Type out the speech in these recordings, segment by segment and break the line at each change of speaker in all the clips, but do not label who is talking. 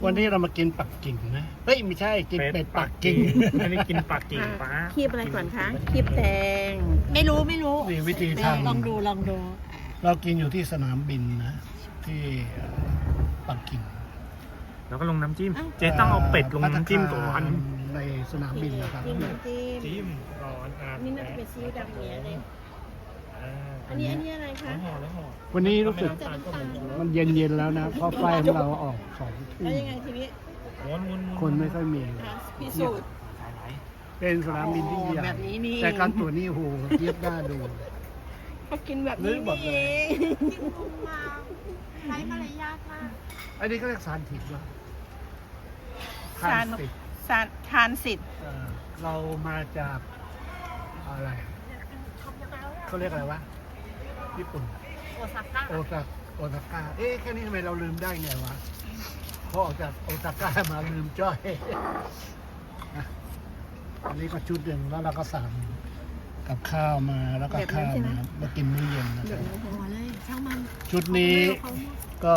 วันนี้เรามากินปักกิ่งนะเฮ้ยไม่ใช่กินเป็ดปักกิ่ง
อันนี้กินปักกิ่งป้า
คีบอะไรก่อนคะคีบแตงไม่รู้
นี่วิธีทำ
ลองดู
เรากินอยู่ที่สนามบินนะที่ปักกิ่ง
แล้วก็ลงน้ำจิ้ม เจ๊ต้องเอาเป็ดลงน้ำจิ้มก่อน
ในสนามบินนะครับ
จิ้มน้ำจิ้ม
จิ้มก่อน
นี่น่าจะเป็นซีอิ๊วดำเนี้ยเลย
อ่า
อันนี้อะไรคะ
แล้วห่อ
วันนี้รู้สึกมันเย็นๆแล้วนะเพราะไฟของเราออก2 ทุ่
แล้ว
ม
ยังไงทีนี้
ม้วน
คนไม่ค่อยมี
พิสูจน์
สายไหล
เป็นสนามบินที่ใหญ่
แบบนี้นี่
แต่การตัวจนี่โหเทียบหน้าดู
เขากินแบบ
ลื้
นี้
อหมดเลย
เอง
ใช้มารยาทมาก
อันนี้ก็เรียกสารถิตว่า
ทาน
สิท
ทานสิทธิ์
เรามาจากอะไรเขาเรียกอะไรวะญี่ปุ่น
โอซาก้า
โอซาก้าเอ๊ะแค่นี้ทำไมเราลืมได้ไงวะพอออกจากโอซาก้ามาลืมจ้อยนะอันนี้ก็ชุดหนึ่งแล้วเราก็สั่งกับข้าวมาแล้วก็ข้าวมากินมื้อเย็นนะครับ
หัวเลยช่างมัน
ชุดนี้ก็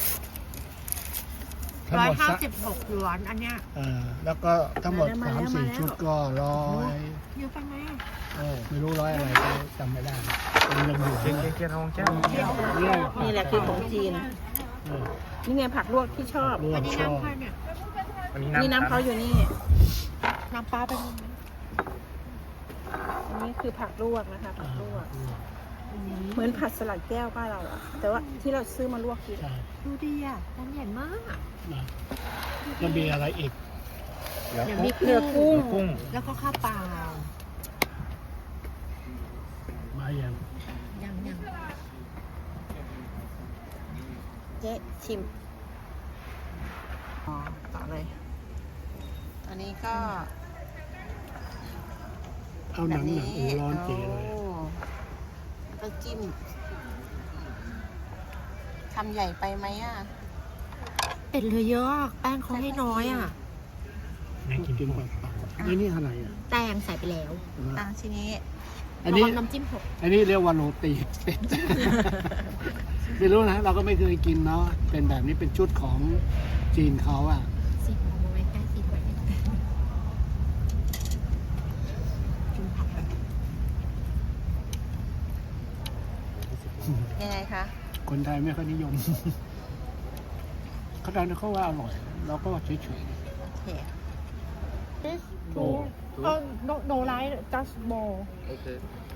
ทั้งหมดสัก
156 หยวนอันเนี้ย
แล้วก็ทั้งหมด3-4 ชุดก็100
เยอะไปไหม
ไม่รู้100อะไรก็จำไม่ได้เป็นเงินอยู่
เจ๊ทองแก้ว
นี่แหละคือของจีน นี่ไงผักลวกที่ชอบ
รว
อั
ม
นนี้
ชอบ
น้ำใครเนี่ย
อันนี้
นี่น้ำเขาอยู่นี่
น้ำปลาเป็นยังไง
อันนี้คือผักลวกนะคะผักลวก เหมือนผัดสลัดแก้วบ้านเราอะแต่ว่าที่เราซื้อมาลวกกิน
ใช่
ดูดีอ่ะมันใหญ่มาก
นะแล้วมีอะไรอีก
เดี๋ยวมีเกลือกุ้ง
กุ้ง
แล้วก็ข้าวเปล่า
มาอย่าง
ยัง
เจ๊ชิมอ๋อต่อเลย อันนี้ก็
เอาหนังร้อนเจ๋เลย
โอ้ก็จิ้มทำใหญ่ไปไหมอ่ะ
เป็ดเหลือเยอะอะแป้งเขาให้น้อยอ่ะ
นี่กิน
กิน
กุ้ง
แบบนี่อะไรอ่ะ
แตงใส่ไปแล้ว
ทีนี้
อันนี้
ระวังน้ำจิ้มหก
อันนี้เรียกว่าโรตีเป็ด ไม่รู้นะเราก็ไม่เคยกินเนาะเป็นแบบนี้เป็นชุดของจีนเขาอ่ะ
สิบเอาไว้ใกล้สิบไว้กินผัก
ยังไงคะ
คนไทยไม่ค่อยนิยม เขาดันเขาว่าอร่อยเราก็เฉย
โอเค
ๆโอ้
no like just more
โอเค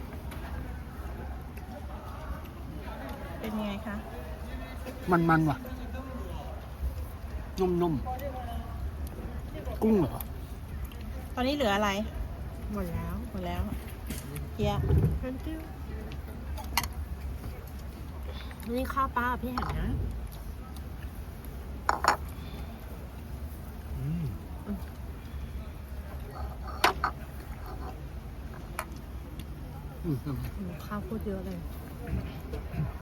เป็นยังไงคะ
มันว่ะ นุ่มๆ กุ้งเหรอ
ตอนนี้เหลืออะไร
หมดแล้ว
หมดแล้วเฮีย
thank you นี่ข้าวปลาพี่เห็นนะ ข้าวโคตรเยอะเลย